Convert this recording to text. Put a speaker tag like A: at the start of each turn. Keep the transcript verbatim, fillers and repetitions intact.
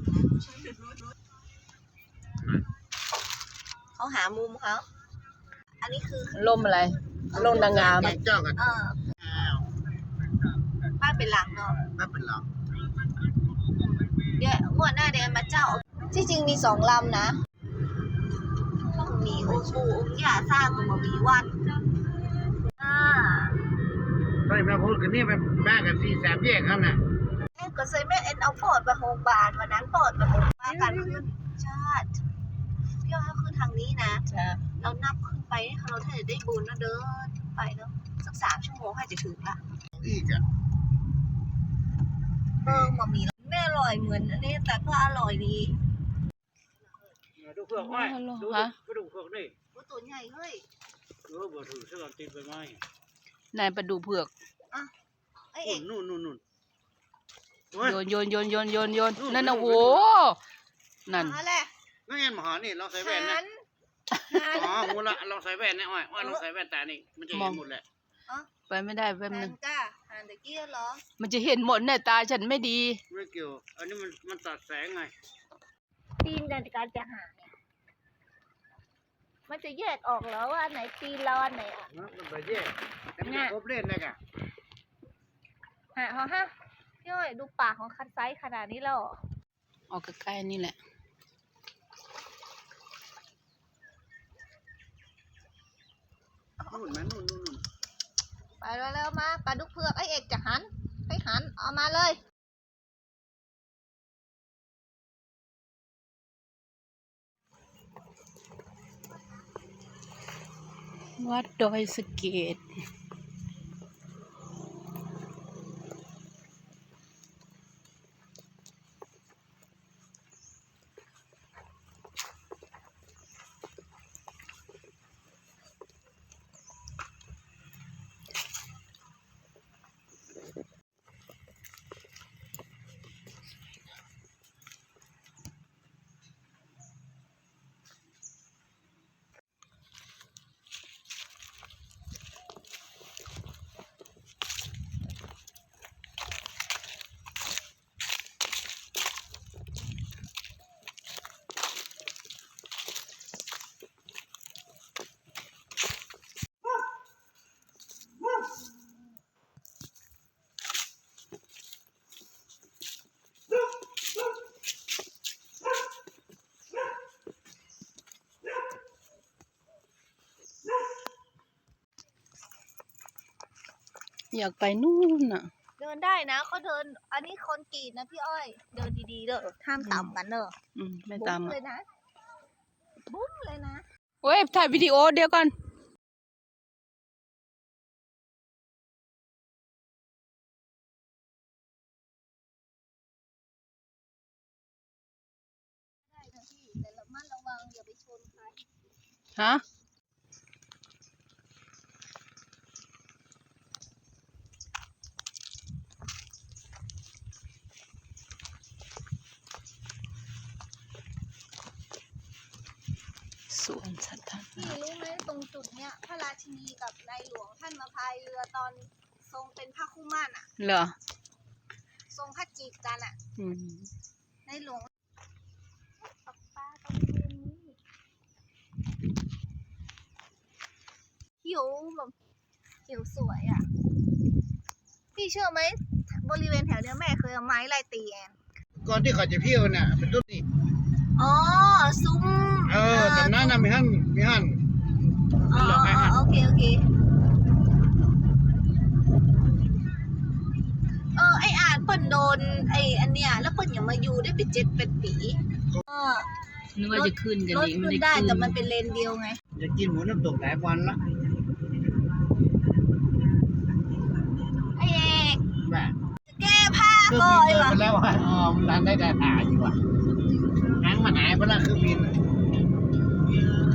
A: เขาหามุมเขาอันนี้คือ
B: ล่มอะไรล่มนางงาม
C: เจ้ากัน
A: เออบ้านเป็นหลังเนาะ
C: บ้านเป็นหลัง
A: เดี๋ยวงวดหน้าเดี๋ยวมาเจ้าที่จริงมีสองลำนะต้องมีองค์ปู่องค์ย่าสร้างมามีวัดอ่า
C: ตอนนี้มาพูดกันนี่เป็นบ้านกันสี่สามแยกครับน่ะ
A: นี่ก็เคยแม่เอ็นเอาปอดไปโรงพยาบาลวันนั้นปอดไปโรงพยาบาลการขึ้นชาติพี่อ้อยขึ้นทางนี้นะเรานับขึ้นไปเราถ้าจะได้บุญนะเดินไปเนาะสักสามชั่วโมงให้จะถึงละ
C: อีกอ่ะ
A: เออมามีไม่อร่อยเหมือนอันนี้แต่ก็อร่อยดี
C: ดูเผือกไว้ดูดูเผือกนี่
A: ตัวใหญ่เฮ้ย
C: เออบ่ถือเสื้อติดไปไหม
B: นายปลาดูเผือก
A: อ่ะไอเอก
C: นู่นนู่นนู่น
B: โยนโยนโยนโยนโยนโยนนั่นนะโว้นั่น
A: นั่นแหละ
C: นั่นเองมหานี่เราใส่แว่นนะอ๋อมูละเราใส่แว่นเนี่ยอ้อยอ้อยเราใส่แว่นตานี่มันจะเห็นหมดแหละ
B: ไปไม่ได้แป๊บนึง
A: จ้าหันตะกี้เหรอ
B: มันจะเห็นหมดเนี่ยตาฉันไม่ดี
C: ไม่เกี่ยวอันนี้มันมันตัดแสงไง
A: ตีนในการจะหาเนี่ยมันจะแยกออกแล้วว่าไหนตีนเราอันไหนอ่ะ
C: มันไปแยกแต่ไม่ครบเล่นเลยกะ
A: ฮะฮะพี่อ้อยดูปากของคันไซส์ขนาดนี้แล้ว
B: ออกใกล้ๆนี่แหละ
C: นู่นไหมนู่นนู่น
A: ไปเร็วๆมาปลาดุกเผือกไอเอกจะหันไปหันเอามาเลย
B: วัดดอยสะเก็ดอยากไปนู่นน่ะ
A: เดินได้นะเขาเดินอันนี้คนกรีดนะพี่อ้อยเดินดีๆเด้อห้ามต่ำกันเด้อ
B: อืมไม่ต่ำ
A: เลยนะบุ้มเลยนะ
B: เว้ยถ่ายวิดีโอเดี๋ยวก่อน
A: ได้นะพี่แต่ระมัดระวังอย่าไปชนใคร
B: ฮะสวนสัตว์
A: พี่รู้ไหมตรงจุดเนี้ยพระราชินีกับนายหลวงท่านมาพายเรือตอนทรงเป็นพระคู่มั่นอ่ะ
B: เหรอ
A: ทรงพระจีบกันอ่ะ
B: อืม
A: นายหลวงปลาปลาตรงนี้เขียวแบบเขียวสวยอ่ะพี่เชื่อไหมบริเวณแถวเนี้ยแม่เคยเอาไม้ไล่ตีแอน
C: ก่อนที่เขาจะเที่ยวน่ะเป็นต้นนี่
A: อ๋อซุ้ม
C: เออแต่นั้นน่ะมีหั่นมีหั่น
A: อ๋อโอเคโอเคเออไออ่านเปิ้นโดนไออันเนี้ยแล้วเปิ้นยังมาอยู่ได้เป็นเจ็ดเป็นปีเออ
B: นึกว่าจะขึ้นกัน
A: อีกมันได้แต่มันเป็นเลนเดียวไง
C: จะกินหมูน้ำตกหลายวันละ
A: ไอเอก
C: แบบ
A: แก้ผ้าก่อน
C: เลยว่ะแล้วว่าอ๋อมันได้แต่ถ่ายอยู่ว่ะหางมันหายไปแล้วคือบิน